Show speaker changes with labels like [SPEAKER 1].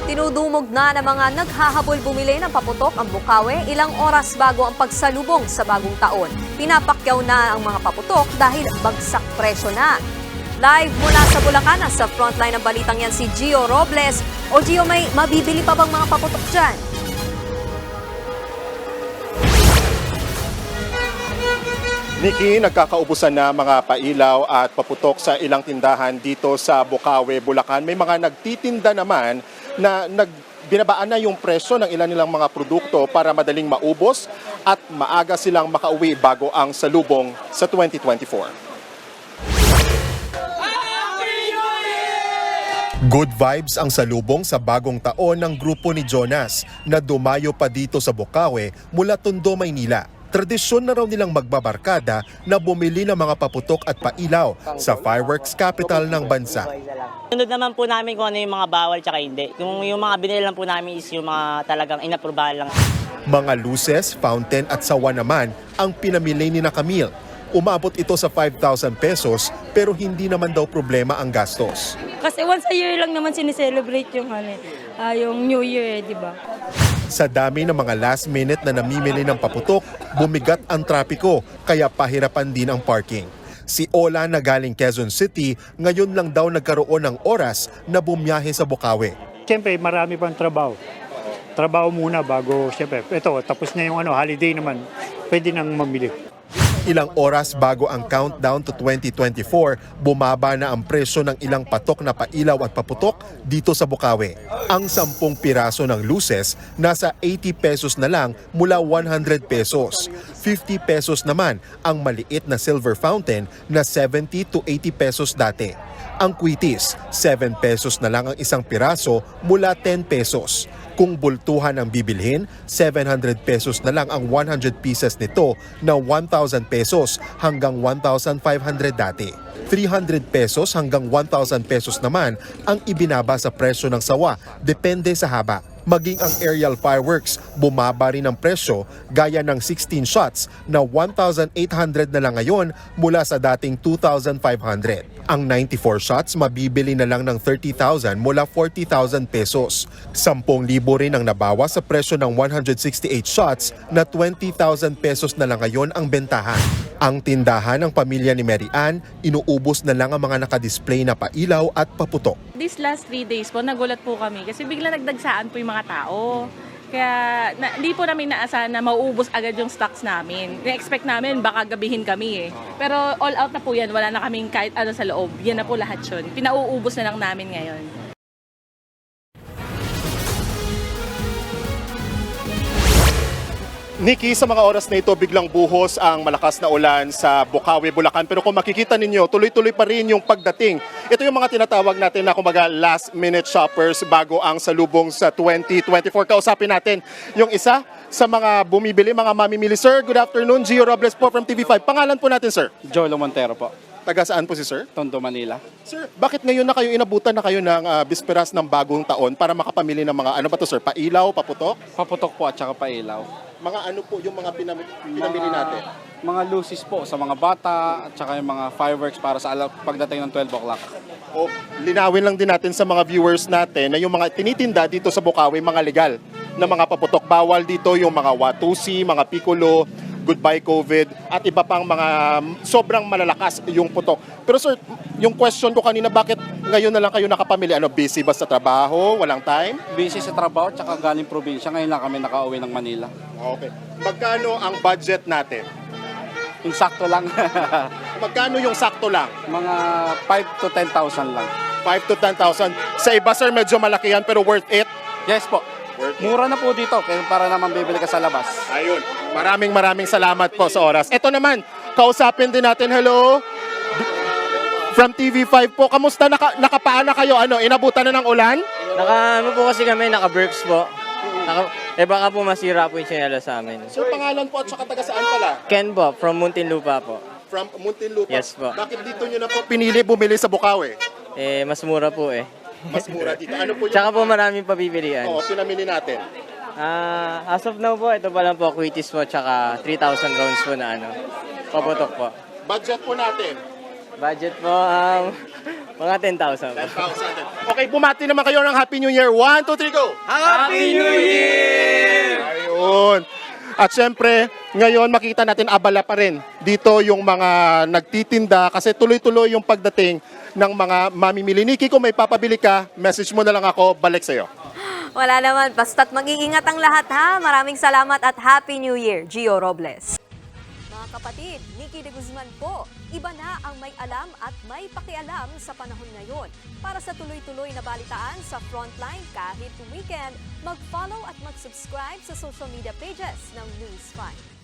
[SPEAKER 1] Tinudumog na ng mga naghahabol bumili ng paputok ang Bukawi ilang oras bago ang pagsalubong sa bagong taon. Pinapakyaw na ang mga paputok dahil bagsak presyo na. Live mula sa Bulacan, sa frontline ng balitang yan si Gio Robles. O Gio, may mabibili pa bang mga paputok dyan?
[SPEAKER 2] Nikki, nagkakaubusan na mga pailaw at paputok sa ilang tindahan dito sa Bukawi, Bulacan. May mga nagtitinda naman na binabaan na yung presyo ng ilan nilang mga produkto para madaling maubos at maaga silang makauwi bago ang salubong sa 2024. Good vibes ang salubong sa bagong taon ng grupo ni Jonas na dumayo pa dito sa Bukawi mula Tondo, Maynila. Tradisyon na raw nilang magbabarkada na bumili ng mga paputok at pailaw sa fireworks capital ng bansa.
[SPEAKER 3] Sunod naman po namin kung ano yung mga bawal tsaka hindi. Yung mga binili lang po namin is yung mga talagang inaprubahan lang.
[SPEAKER 2] Mga luces, fountain at sawa naman ang pinamili ni na Camille. Umabot ito sa 5,000 pesos pero hindi naman daw problema ang gastos.
[SPEAKER 4] Kasi once a year lang naman sineselebrate yung, yung New Year, di ba?
[SPEAKER 2] Sa dami ng mga last minute na namimili ng paputok, bumigat ang trapiko kaya pahirapan din ang parking. Si Ola na galing Quezon City, ngayon lang daw nagkaroon ng oras na bumiyahe sa Bukawi.
[SPEAKER 5] Siyempre, marami pang trabaho. Trabaho muna bago, siyempre, ito, tapos na yung holiday naman, pwede nang mamili.
[SPEAKER 2] Ilang oras bago ang countdown to 2024, bumaba na ang presyo ng ilang patok na pailaw at paputok dito sa Bukawi. Ang 10 piraso ng luces nasa 80 pesos na lang mula 100 pesos. 50 pesos naman ang maliit na silver fountain na 70 to 80 pesos dati. Ang kwitis, 7 pesos na lang ang isang piraso mula 10 pesos. Kung bultuhan ang bibilhin, 700 pesos na lang ang 100 pieces nito na 1,000 pesos hanggang 1,500 dati. 300 pesos hanggang 1,000 pesos naman ang ibinaba sa presyo ng sawa, depende sa haba. Maging ang aerial fireworks, bumaba rin ang presyo gaya ng 16 shots na 1,800 na lang ngayon mula sa dating 2,500. Ang 94 shots mabibili na lang ng 30,000 mula 40,000 pesos. 10,000 rin ang nabawas sa presyo ng 168 shots na 20,000 pesos na lang ngayon ang bentahan. Ang tindahan ng pamilya ni Mary Ann, inuubos na lang ang mga nakadisplay na pailaw at paputok.
[SPEAKER 6] These last 3 days po, nagulat po kami kasi bigla nagdagsaan po yung mga tao. Kaya hindi po namin naasahan na mauubos agad yung stocks namin. Na-expect namin baka gabihin kami eh. Pero all out na po yan, wala na kaming kahit ano sa loob. Yan na po lahat yun. Pinauubos na lang namin ngayon.
[SPEAKER 2] Nikki, sa mga oras na ito, biglang buhos ang malakas na ulan sa Bukawi, Bulacan. Pero kung makikita ninyo, tuloy-tuloy pa rin yung pagdating. Ito yung mga tinatawag natin na kumbaga last-minute shoppers bago ang salubong sa 2024. Kausapin natin yung isa sa mga bumibili, mga mamimili. Sir, good afternoon. Gio Robles po from TV5. Pangalan po natin, sir?
[SPEAKER 7] Jolo Montero po,
[SPEAKER 2] Taga saan po si sir?
[SPEAKER 7] Tondo, Manila.
[SPEAKER 2] Sir, bakit ngayon na kayo inabutan na kayo ng bisperas ng bagong taon para makapamili ng mga, ano ba to sir, pailaw, paputok?
[SPEAKER 7] Paputok po at saka pailaw.
[SPEAKER 2] Mga ano po yung mga pinamili natin?
[SPEAKER 7] Mga lucis po sa mga bata at saka yung mga fireworks para sa pagdating ng 12 o'clock.
[SPEAKER 2] O, linawin lang din natin sa mga viewers natin na yung mga tinitinda dito sa Bukawi, mga legal na mga paputok. Bawal dito yung mga Watusi, mga Piccolo, Goodbye COVID, at iba pang mga sobrang malalakas yung putok. Pero sir, yung question ko kanina, bakit ngayon na lang kayo nakapamili? Ano, busy ba sa trabaho? Walang time?
[SPEAKER 7] Busy sa trabaho at saka galing probinsya. Ngayon lang kami nakauwi ng Manila.
[SPEAKER 2] Okay. Magkano ang budget natin?
[SPEAKER 7] Yung sakto lang.
[SPEAKER 2] Magkano yung sakto lang?
[SPEAKER 7] Mga 5 to 10,000 lang.
[SPEAKER 2] 5 to 10,000. Sa iba sir, medyo malaki yan pero worth it?
[SPEAKER 7] Yes po.
[SPEAKER 2] Worth it.
[SPEAKER 7] Mura na po dito kaya para naman bibili ka sa labas.
[SPEAKER 2] Ayun. Maraming salamat po sa oras. Ito naman, kausapin din natin. Hello? From TV5 po. Kamusta? Nakapaan na kayo? Ano, inabutan na ng ulan?
[SPEAKER 8] Ano po kasi kami, naka-Berks po. Baka po masira po yung sinela sa amin.
[SPEAKER 2] Sir, pangalan po at saka taga saan pala?
[SPEAKER 8] Ken po, from Muntinlupa po.
[SPEAKER 2] From Muntinlupa?
[SPEAKER 8] Yes po.
[SPEAKER 2] Bakit dito nyo na po pinili bumili sa Bukawi?
[SPEAKER 8] Mas mura po eh.
[SPEAKER 2] Mas mura dito. Ano po yung...
[SPEAKER 8] Tsaka po maraming papipilian.
[SPEAKER 2] Oo, pinamili natin.
[SPEAKER 8] As of now po, ito pa lang po, Quitis po, tsaka 3,000 rounds po na paputok po.
[SPEAKER 2] Budget po natin.
[SPEAKER 8] Budget po, mga 10,000 po.
[SPEAKER 2] Okay, bumati naman kayo ng Happy New Year. 1, 2, 3, go!
[SPEAKER 8] Happy New Year!
[SPEAKER 2] Ayun. At syempre, ngayon makita natin abala pa rin dito yung mga nagtitinda kasi tuloy-tuloy yung pagdating ng mga mamimili. Nikki, kung may papabili ka, message mo na lang ako, balik sa'yo.
[SPEAKER 1] Wala naman, basta't mag-iingat ang lahat ha. Maraming salamat at Happy New Year, Gio Robles. Mga kapatid, Nikki de Guzman po. Iba na ang may alam at may pakialam sa panahon ngayon. Para sa tuloy-tuloy na balitaan sa Frontline kahit weekend, mag-follow at mag-subscribe sa social media pages ng News 5.